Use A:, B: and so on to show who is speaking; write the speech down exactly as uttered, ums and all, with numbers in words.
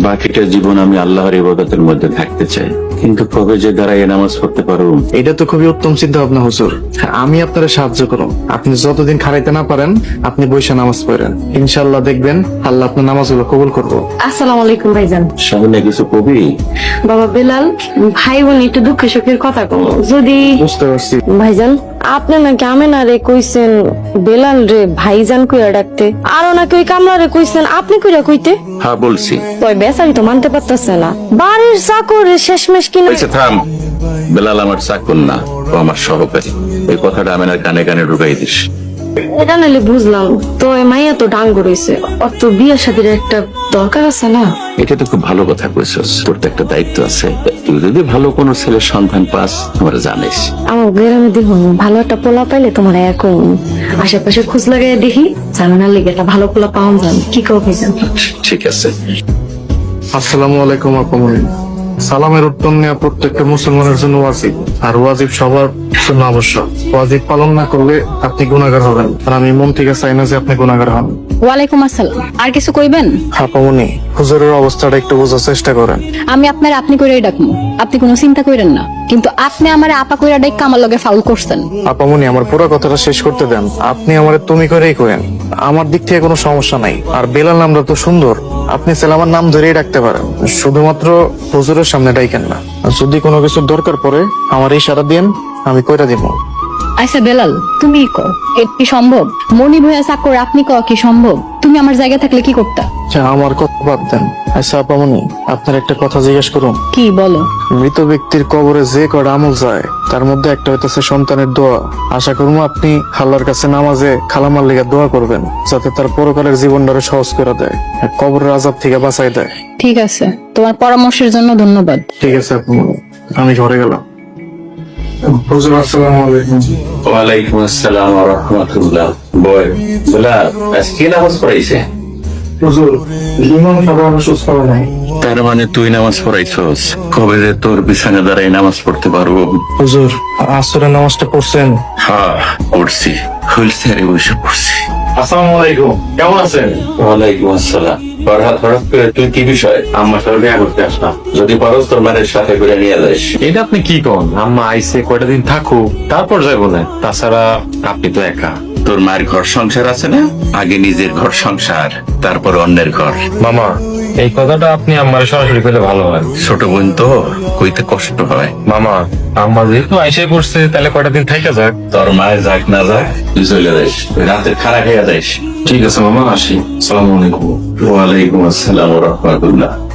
A: বাকিটা জীবন আমি আল্লাহর ইবাদতের মধ্যে থাকতে চাই, কিন্তু কবে যে দাঁড়ায় নামাজ পড়তে পারবো?
B: এটা তো খুবই উত্তম চিন্তা ভাবনা হুজুর। আমি আপনারা সাহায্য করুন। আপনি যতদিন খারাইতে না পারেন আপনি বৈশা নামাজ পড়েন, ইনশাল্লাহ দেখবেন আল্লাহ আপনার নামাজগুলো কবুল করবো।
C: আসসালামু আলাইকুম ভাইজান।
A: সামনে কিছু কবি?
C: বাবা বেলাল, ভাই বোন একটু দুঃখে সুখের কথা কম। যদি
B: বুঝতে পারছি।
C: ভাইজান আপনি নাকি আমেনা রে কইছেন বেলাল রে ভাইজান কইরা ডাকতে, আরো নাকি ওই কামলা রে কইছেন আপনি কইরা কইতে।
A: হ্যাঁ বলছি।
C: ওই বেচারি তো মানতে পারতেছে না, বাড়ির চাকর শেষমেশ কিনা।
A: আচ্ছা থাম, বেলাল আমার চাকর না, ও আমার সহকারী। এই কথাটা আমেনার কানে কানে ঢুকাই দিস।
C: এটা নাহলে বুঝলাম, তো এই মাইয়া তো ডাঙ্গ রয়েছে, ওর তো বিয়ের সাথে একটা দরকার আছে না।
A: এটা তো খুব ভালো কথা কইছস, তোর তো একটা দায়িত্ব আছে। তুই যদি ভালো কোনো ছেলের সন্ধান পাস আমার জানিস।
C: আমার গ্রামে দেখুন ভালো একটা পোলা পাইলে তোমার এখন আশেপাশে খোঁজ লাগাই দেখি, জানার লেগে একটা ভালো পোলা পাওয়া যান। কি কো ভাইজান?
A: ঠিক আছে।
B: আসসালামু আলাইকুম আপামনি। সালামের উত্তর নেওয়া প্রত্যেকটা মুসলমানের জন্য ওয়াজিব, আর ওয়াজিব সবার জন্য আবশ্যক। ওয়াজিব পালন না করলে আপনি গুনাহগার হবেন, আর আমি মন থেকে চাই না যে আপনি গুনাহগার হন।
D: ওয়ালাইকুম আসসালাম। আর কিছু কইবেন?
B: আপামনি, হুজুরের অবস্থাটা একটু বোঝার চেষ্টা করেন।
D: আমি আপনার আপনি কইরাই ডাকমু, আপনি কোনো চিন্তা কইরেন না। কিন্তু আপনি আমারে আপা কইরা ডাইকা আমার লগে ফাউল করছেন।
B: আপামনি, আমার পুরো কথাটা শেষ করতে দেন। আপনি আমারে তুমি করেই করেন, আমার দিক থেকে কোনো সমস্যা নাই। আর বেলাল নামটা তো সুন্দর, আপনি ছেলে আমার নাম ধরেই ডাকতে পারেন, শুধুমাত্র হুজুরের সামনে ডাইকেন না। আর যদি কোনো কিছুর দরকার পড়ে আমার ইশারা দিন, আমি কইরা দিব।
D: আচ্ছা বেলাল, তুমি ক এটা কি সম্ভব? মনি ভইয়া চাকর আপনি ক কি সম্ভব? তুমি আমার জায়গা থাকলে কি করতা?
B: আচ্ছা, আমার কথা বাদ দেন। আচ্ছা আপামনি, আপনার একটা কথা জিজ্ঞেস করুন।
D: কি বলো?
B: মৃত ব্যক্তির কবরে যে কটা আমল যায় তার মধ্যে একটা হইতেছে সন্তানের দোয়া। আশা করবো আপনি আল্লাহর কাছে নামাজে খালামার লিগা দোয়া করবেন, যাতে তার পরকালের জীবনটারে সহজ করে দেয়, আর কবরের আযাব থেকে বাঁচাই দেয়।
D: ঠিক আছে, তোমার পরামর্শের জন্য ধন্যবাদ।
B: ঠিক আছে আপামনি, আমি ঘরে গেলাম। হুজুর আসসালামু আলাইকুম।
A: ওয়ালাইকুম আসসালাম ওয়া রাহমাতুল্লাহ। বল বেলাল, আজকে নামাজ পড়াইছে?
B: হুজুর, ইমাম সাহেব অসুস্থ হয় নাই।
A: তার মানে তুই নামাজ পড়াইছস? কবে যে তোর বিছানা দাঁড়াই নামাজ পড়তে পারবো?
B: হুজুর, আসরের নামাজটা পড়ছেন?
A: হ্যাঁ পড়ছি, হুইলচেয়ারে বসে পড়ছি।
E: আসসালামু আলাইকুম, কেমন আছেন?
A: ওয়ালাইকুম আসসালাম। হঠাৎ হঠাৎ করে তুই কি বিষয়?
E: আম্মার সাথে দেখা করতে আসলাম।
A: যদি পারস তোর মায়ের সাথে করে নিয়ে যাস।
E: এটা আপনি কি কন? আম্মা আইসে কয়টা দিন থাকুক, তারপর যাই বলেন। তাছাড়া আপনি তো একা।
A: তোর মায়ের ঘর সংসার আছে না? আগে নিজের ঘর সংসার, তারপর অন্যের ঘর।
E: মামা, এই কথাটা আপনি আম্মার সরাসরি কইলে ভালো হয়।
A: ছোট বোন তো, কইতে কষ্ট হয়।
E: মামা, আম্মা যেহেতু আইসে করছে, তাহলে কয়টা দিন থাইকা যাক।
A: তোর মায়ের যাক না যাক, তুই চলে যাস, রাতের খানা খেয়ে যাস।
E: ঠিক আছে মামা, আসি। আসসালামু আলাইকুম।
A: ওয়ালাইকুম আসসালাম ওয়া রাহমাতুল্লাহ।